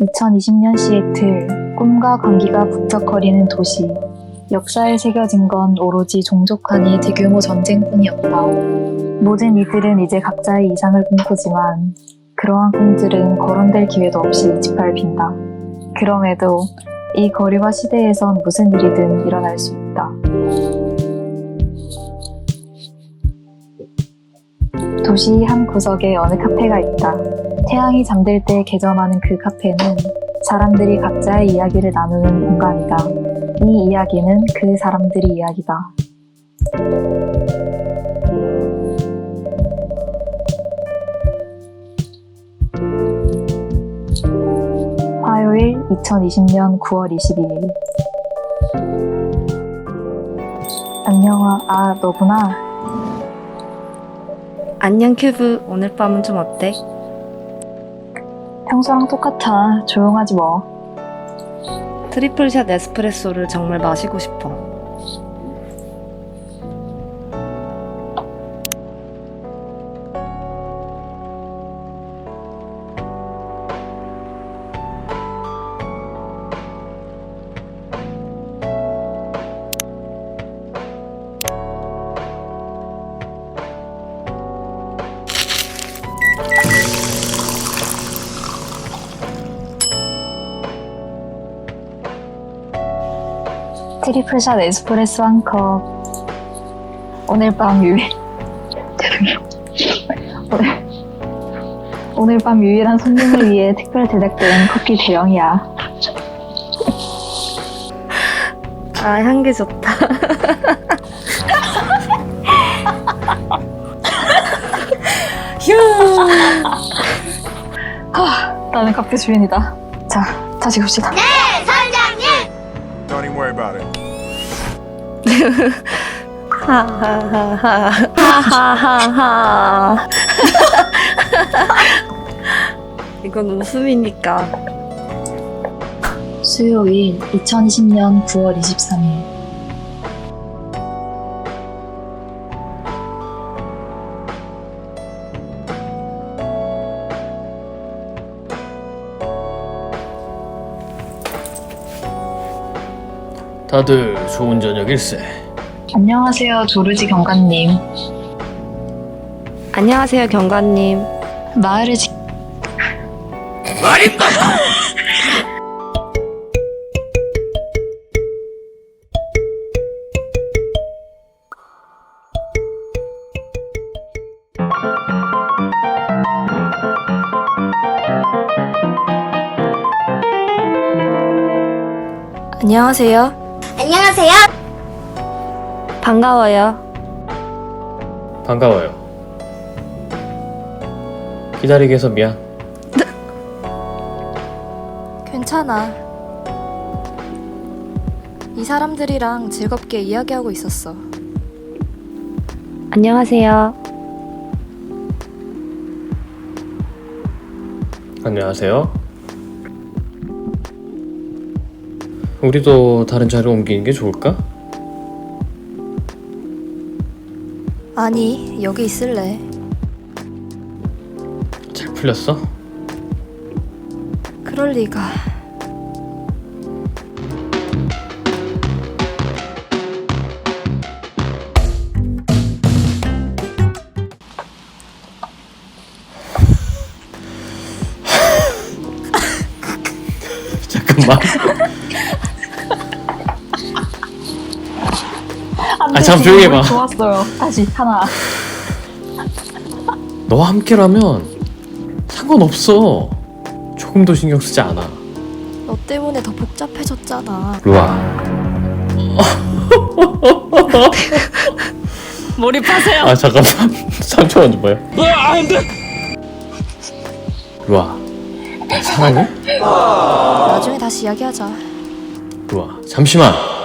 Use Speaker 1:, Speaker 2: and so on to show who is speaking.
Speaker 1: 2020년 시애틀, 꿈과 광기가 북적거리는 도시. 역사에 새겨진 건 오로지 종족 간의 대규모 전쟁뿐이었다. 모든 이들은 이제 각자의 이상을 꿈꾸지만 그러한 꿈들은 거론될 기회도 없이 짓밟힌다. 그럼에도 이 거리와 시대에선 무슨 일이든 일어날 수 있다. 도시 한 구석에 어느 카페가 있다. 태양이 잠들 때 개점하는 그 카페는 사람들이 각자의 이야기를 나누는 공간이다. 이 이야기는 그 사람들의 이야기다. 화요일 2020년 9월 22일. 안녕아, 너구나.
Speaker 2: 안녕 큐브, 오늘 밤은 좀 어때?
Speaker 1: 평소랑 똑같아. 조용하지 뭐.
Speaker 2: 트리플샷 에스프레소를 정말 마시고 싶어.
Speaker 1: 트리플샷 에스프레소 한 컵. 오늘 밤 유일 오늘 밤 유일한 손님을 위해 특별 제작된 커피 대용이야.
Speaker 2: 아, 향기 좋다. 휴.
Speaker 1: 나는 카페 주인이다. 자, 다시 갑시다.
Speaker 3: Don't even worry about it.
Speaker 2: 하하하하. 하하하하. 이건 웃음이니까.
Speaker 1: 수요일 2020년 9월 23일.
Speaker 4: 다들 좋은 저녁일세.
Speaker 1: 안녕하세요, 조르지 경관님.
Speaker 2: 안녕하세요, 경관님.
Speaker 1: 마을을
Speaker 4: 말입니다.
Speaker 2: 안녕하세요.
Speaker 5: 안녕하세요.
Speaker 2: 반가워요.
Speaker 4: 반가워요. 기다리게 해서 미안.
Speaker 6: 괜찮아. 이 사람들이랑 즐겁게 이야기하고 있었어.
Speaker 2: 안녕하세요.
Speaker 4: 안녕하세요. 우리도 다른 자리로 옮기는 게 좋을까?
Speaker 6: 아니, 여기 있을래.
Speaker 4: 잘 풀렸어?
Speaker 6: 그럴 리가.
Speaker 4: 잠깐만.
Speaker 1: 안
Speaker 4: 참
Speaker 1: 되지.
Speaker 4: 조용히 해봐.
Speaker 1: 좋았어요. 다시 하나.
Speaker 4: 너와 함께라면 상관없어. 조금도 신경 쓰지 않아.
Speaker 6: 너 때문에 더 복잡해졌잖아.
Speaker 4: 루아.
Speaker 1: 몰입하세요.
Speaker 4: 아 잠깐만. 3초만 좀 봐요. 루아. 나 사랑해?
Speaker 6: 나중에 다시 이야기하자.
Speaker 4: 루아. 잠시만.